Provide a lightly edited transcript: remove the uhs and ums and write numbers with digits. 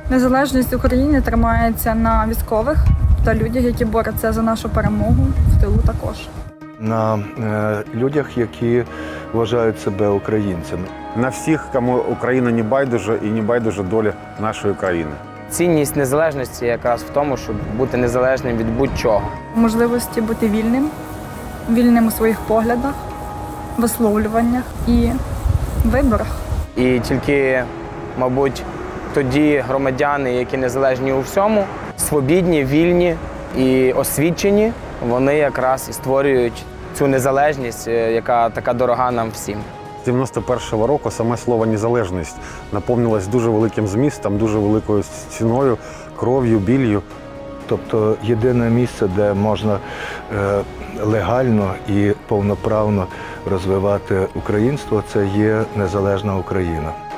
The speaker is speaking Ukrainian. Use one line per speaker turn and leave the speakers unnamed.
Незалежність України тримається на військових та людях, які борються за нашу перемогу, в тилу також.
На людях, які вважають себе українцями.
На всіх, кому Україна не байдуже і не байдуже доля нашої країни.
Цінність незалежності якраз в тому, щоб бути незалежним від будь-чого.
Можливості бути вільним у своїх поглядах, висловлюваннях і виборах.
І тільки, мабуть, тоді громадяни, які незалежні у всьому, свобідні, вільні і освічені, вони якраз і створюють цю незалежність, яка така дорога нам всім.
З 91-го року саме слово «незалежність» наповнилось дуже великим змістом, дуже великою ціною, кров'ю, біллю.
Тобто єдине місце, де можна легально і повноправно розвивати українство, це є незалежна Україна.